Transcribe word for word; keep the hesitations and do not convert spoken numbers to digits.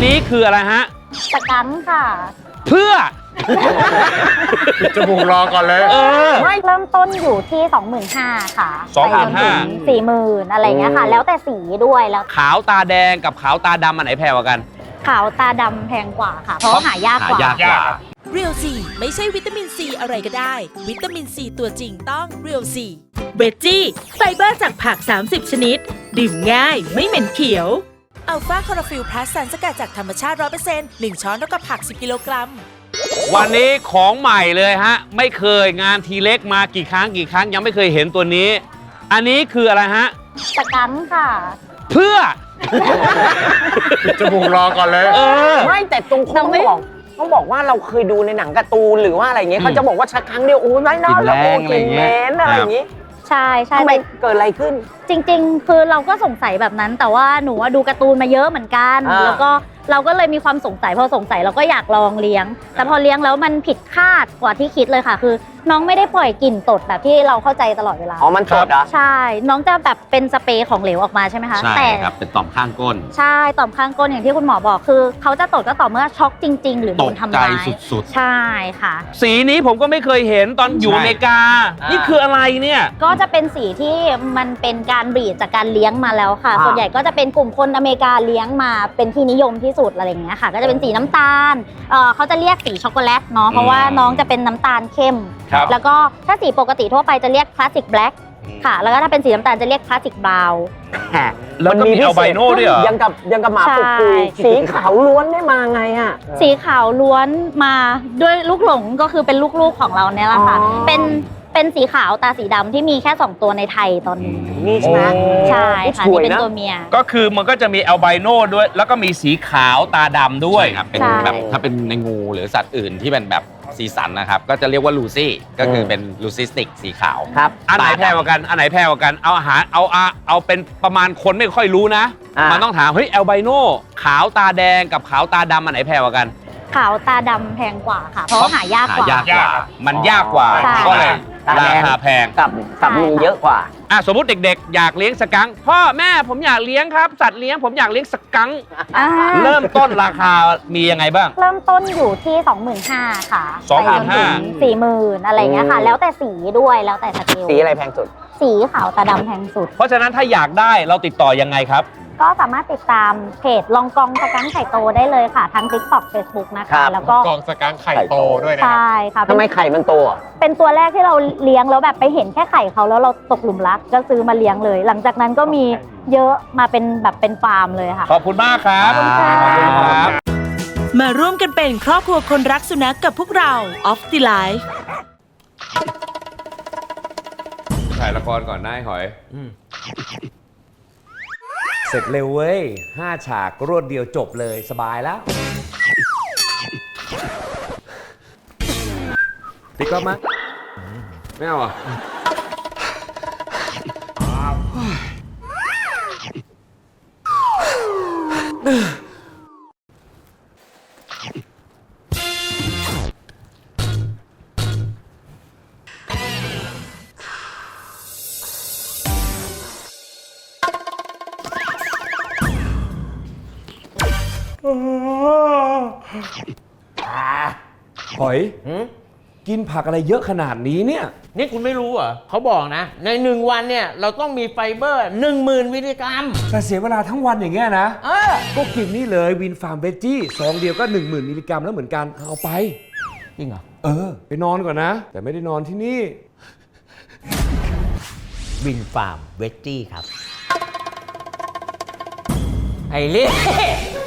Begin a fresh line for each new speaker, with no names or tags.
นี้คืออะไรฮะ
สกังค่ะ
เพื่อ
จมูกรอก่อนเลย
เออ
ไม่เริ่มต้นอยู่ที่ สองหมื่นห้าพัน ค่ะ
สองหมื่นห้าพัน
สี่หมื่นอะไรเงี้ยค่ะแล้วแต่สีด้วยแล้ว
ขาวตาแดงกับขาวตาดำอันไหนแพงกว่ากัน
ขาวตาดำแพงกว่าค่ะเพราะหายากกว่า
หายากกว่า
เรียวซีไม่ใช่วิตามินซีอะไรก็ได้วิตามินซีตัวจริงต้องเรียวซีเวจจี้ไฟเบอร์จากผักสามสิบชนิดดื่มง่ายไม่เหม็นเขียวอัลฟาคอร์ฟิลพลัสสารสกัดจากธรรมชาติ ร้อยเปอร์เซ็นต์ หนึ่ง ช้อนเท่ากับผักสิบกิโลกรัม
วันนี้ของใหม่เลยฮะไม่เคยงานทีเล็กมากี่ครั้งกี่ครั้งยังไม่เคยเห็นตัวนี้อันนี้คืออะไรฮะ
สกังค่ะ
เพื่อ
จมูกรอก่อนเลย
เออ
ไม่แต่ตรงต้องบอกต้องบอกว่าเราเคยดูในหนังการ์ตูนหรือว่าอะไรเงี้ยเขาจะบอกว่าชักครั้งเดียวโอ้ยไม่น่าแล้วโอ้กินแมนอะไรอย่างงี้
ใช่ใช่
ทำไมเกิดอะไรขึ้น
จริงๆคือเราก็สงสัยแบบนั้นแต่ว่าหนูดูการ์ตูนมาเยอะเหมือนกันแล้วก็เราก็เลยมีความสงสัยพอสงสัยเราก็อยากลองเลี้ยงแต่พอเลี้ยงแล้วมันผิดคาดกว่าที่คิดเลยค่ะคือน้องไม่ได้ปล่อยกลิ่นตดแบบที่เราเข้าใจตลอดเวลา
อ๋อมันตดเหรอ
ใช่น้องจะแบบเป็นสเปรย์ของเหลวออกมาใช่ไหมคะ
ใช่ครับเป็นต่อมข้างก้น
ใช่ต่อมข้างก้นอย่างที่คุณหมอบอกคือเขาจะตดก็ต่อเมื่อช็อกจริงๆหรือโดนทำร้าย
สุด
ๆใช่ค่ะ
สีนี้ผมก็ไม่เคยเห็นตอนอยู่อเมริกานี่คืออะไรเนี่ย
ก็จะเป็นสีที่มันเป็นการบรีดจากการเลี้ยงมาแล้วค่ะส่วนใหญ่ก็จะเป็นกลุ่มคนอเมริกาเลี้ยงมาเป็นที่นิยมที่สุดอะไรอย่างเงี้ยค่ะก็จะเป็นสีน้ำตาลเอ่อเขาจะเรียกสีช็อกโกแลตเนาะเพราะว่าน้องจะเป็นน้ำตาลเข้มแล้วก็ถ้าสีปกติทั่วไปจะเรียกคลาสสิกแบล็กค่ะแล้วก็ถ้าเป็นสีน้ำตาลจะเรียกคลาสสิกบราวน์
แล้วก็มีอัลไบโน่ด้วยเหรอ
ยังกับยังกับหมาปุกปุยสีขาวล้วนได้มาไงอ่ะ
สีขาวล้วนมาด้วยลูกหลงก็คือเป็นลูกๆของเราเนี่ยแหละค่ะเป็นเป็นสีขาวตาสีดำที่มีแค่สองตัวในไทยตอนนี้
นี่ใช่ไหม
ใช่ค่ะนี่เป็นตัวเมีย
ก็คือมันก็จะมีอัลไบโน่ด้วยแล้วก็มีสีขาวตาดำด้วย
ครับเป็นแบบถ้าเป็นในงูหรือสัตว์อื่นที่เป็นแบบสีสันนะครับก็จะเรียกว่าลูซี่ก็คือเป็นลูซิสติกสีขาว
ครับ
อันไหนแพงกว่ากันอันไหนแพงกว่ากันเอาอาหารเอาเอาเอาเป็นประมาณคนไม่ค่อยรู้นะมันต้องถามเฮ้ยอัลไบโน่ขาวตาแดงกับขาวตาดำอันไหนแพงกว่ากัน
ขาวตาดำแพงกว่าค่ะเพราะหายากกว่า
หายากกว่ามันยากกว่าก็เลยราคาแพง
กับกับมีเยอะกว่า
อ่ะสมมติเด็กๆอยากเลี้ยงสกังค์พ่อแม่ผมอยากเลี้ยงครับสัตว์เลี้ยงผมอยากเลี้ยงสกังค์เริ่มต้นราคามียังไงบ้าง
เริ่มต้นอยู่ที่ สองหมื่นห้าพัน ค่ะ
สองหมื่นห้าพัน
สี่หมื่นอะไรเงี้ยค่ะแล้วแต่สีด้วยแล้วแต่สเกล
สีอะไรแพงสุด
สีขาวตาดำแพงสุด
เพราะฉะนั้นถ้าอยากได้เราติดต่อยังไงครับ
ก็สามารถติดตามเพจลองกองสกังไข่โตได้เลยค่ะทั้ง TikTok Facebook นะคะแล้วก็
กองสกังไข่โตด้วยนะ
ใช่ค่ะ
ทำไมไข่มันโตอ่ะ
เป็นตัวแรกที่เราเลี้ยงแล้วแบบไปเห็นแค่ไข่เขาแล้วเราตกหลุมรักก็ซื้อมาเลี้ยงเลยหลังจากนั้นก็มีเยอะมาเป็นแบบเป็นฟาร์มเลยค่ะ
ขอบคุณมากครับ
ขอบคุณครับ
มาร่วมกันเป็นครอบครัวคนรักสุนัข กับพวกเรา Off the Life
ถ่ายละครก่อนได้หอยเสร็จเร็วเว้ยห้าฉากรวดเดียวจบเลยสบายแล้วติ๊กก็มาไม่เอาอ่ะหอยกินผักอะไรเยอะขนาดนี้เนี่ย
นี่คุณไม่รู้เหรอเขาบอกนะในหนึ่งวันเนี่ยเราต้องมีไฟเบอร์หนึ่งหมื่นมิลลิกรัม
แต่เสียเวลาทั้งวันอย่างเงี้ยนะ
เออ
ก็กินนี่เลยวินฟาร์มเวจจี้ซองเดียวก็หนึ่งหมื่นมิลลิกรัมแล้วเหมือนกันเอาไป
จริงเหรอ
เออไปนอนก่อนนะแต่ไม่ได้นอนที่นี่
วินฟาร์มเวจจี้ครับไอ้เล่